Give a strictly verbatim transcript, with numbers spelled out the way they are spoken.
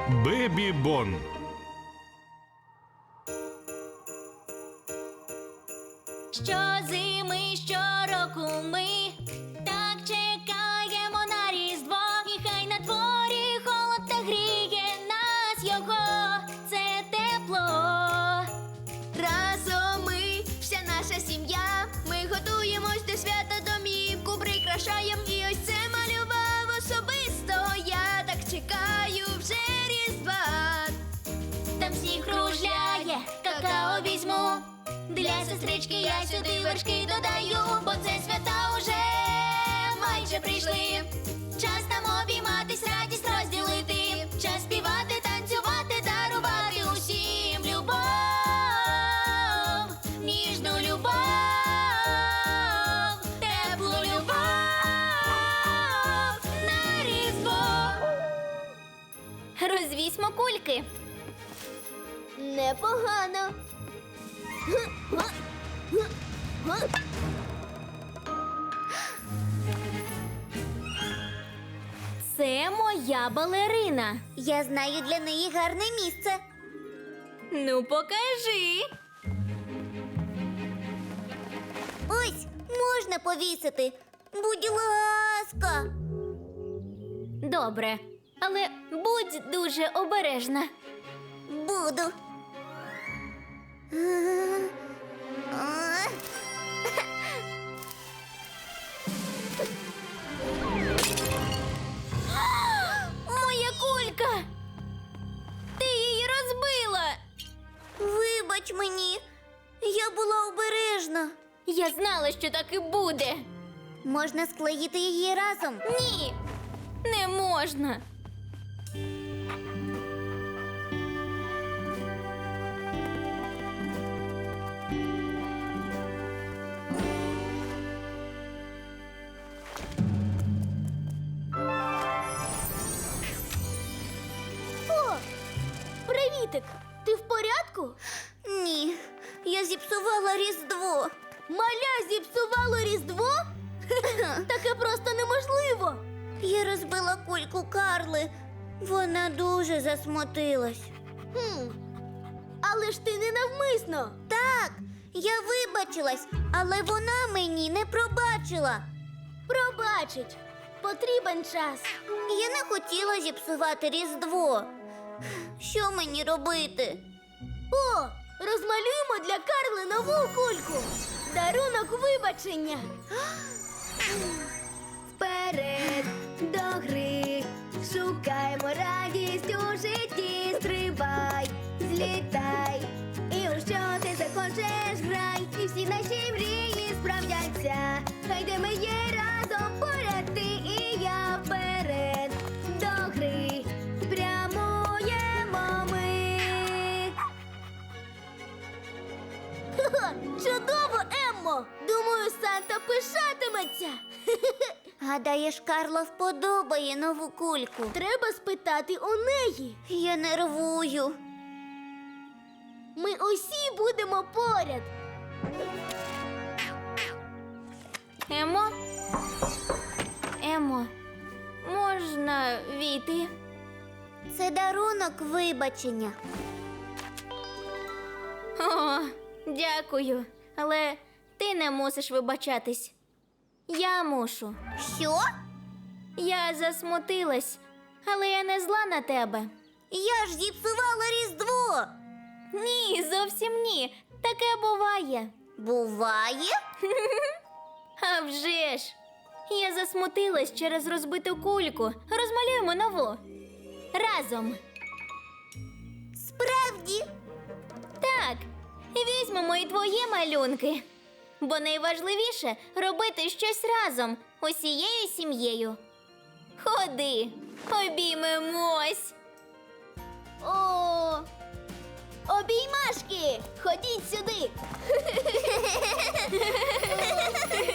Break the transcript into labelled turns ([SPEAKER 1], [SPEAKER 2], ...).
[SPEAKER 1] Бебі-бон.
[SPEAKER 2] Щозими, щороку ми так чекаємо на Різдво. І хай на дворі холод та гріє нас його, це тепло.
[SPEAKER 3] Разом ми, вся наша сім'я, ми готуємось до свята, домівку прикрашаєм. І ось це малював особисто я, так чекаю вже Різдва.
[SPEAKER 2] Там сніг кружляє, какао візьму. Для сестрички я сюди вершки додаю, бо це свята уже майже прийшли. Час нам обійматись, радість розділити. Час співати, танцювати, дарувати усім любов, ніжну любов, теплу любов на Різдво. Розвісьмо кульки.
[SPEAKER 3] Непогано.
[SPEAKER 2] Це моя балерина.
[SPEAKER 3] Я знаю для неї гарне місце.
[SPEAKER 2] Ну, покажи.
[SPEAKER 3] Ось, можна повісити. Будь ласка.
[SPEAKER 2] Добре, але будь дуже обережна.
[SPEAKER 3] Буду.
[SPEAKER 2] Моя кулька! Ти її розбила!
[SPEAKER 3] Вибач мені, я була обережна.
[SPEAKER 2] Я знала, що так і буде.
[SPEAKER 3] Можна склеїти її разом.
[SPEAKER 2] Ні, не можна.
[SPEAKER 3] О, привітик! Ти в порядку? Ні, я зіпсувала Різдво. Маля зіпсувало Різдво? Таке просто неможливо. Я розбила кульку Карли. Вона дуже засмутилась. Хм. Але ж ти не навмисно. Так, я вибачилась, але вона мені не пробачила. Пробачить. Потрібен час. Я не хотіла зіпсувати Різдво. Що мені робити? О, розмалюємо для Карли нову кульку. Дарунок вибачення.
[SPEAKER 4] Вперед до гри, шукаємо радість у житті, стрибай, злітай, і у що ти захочеш грай, і всі наші мрії справдяться, хай де ми є разом, поряд ти і я, вперед до гри, прямуємо ми.
[SPEAKER 3] Ха-ха, чудово, Еммо! Думаю, Санта пишатиметься. Гадаєш, Карла вподобає нову кульку? Треба спитати у неї. Я нервую. Ми усі будемо поряд.
[SPEAKER 2] Емо? Емо, можна війти?
[SPEAKER 3] Це дарунок вибачення.
[SPEAKER 2] О, дякую. Але ти не мусиш вибачатись. Я мушу.
[SPEAKER 3] Що?
[SPEAKER 2] Я засмутилась, але я не зла на тебе.
[SPEAKER 3] Я ж зіпсувала Різдво.
[SPEAKER 2] Ні, зовсім ні. Таке буває.
[SPEAKER 3] Буває?
[SPEAKER 2] А вже ж. Я засмутилась через розбиту кульку. Розмалюємо нову. Разом.
[SPEAKER 3] Справді?
[SPEAKER 2] Так. Візьмемо і твої малюнки. Бо найважливіше робити щось разом, усією сім'єю. Ходи, обіймемось.
[SPEAKER 3] О, обіймашки! Ходіть сюди.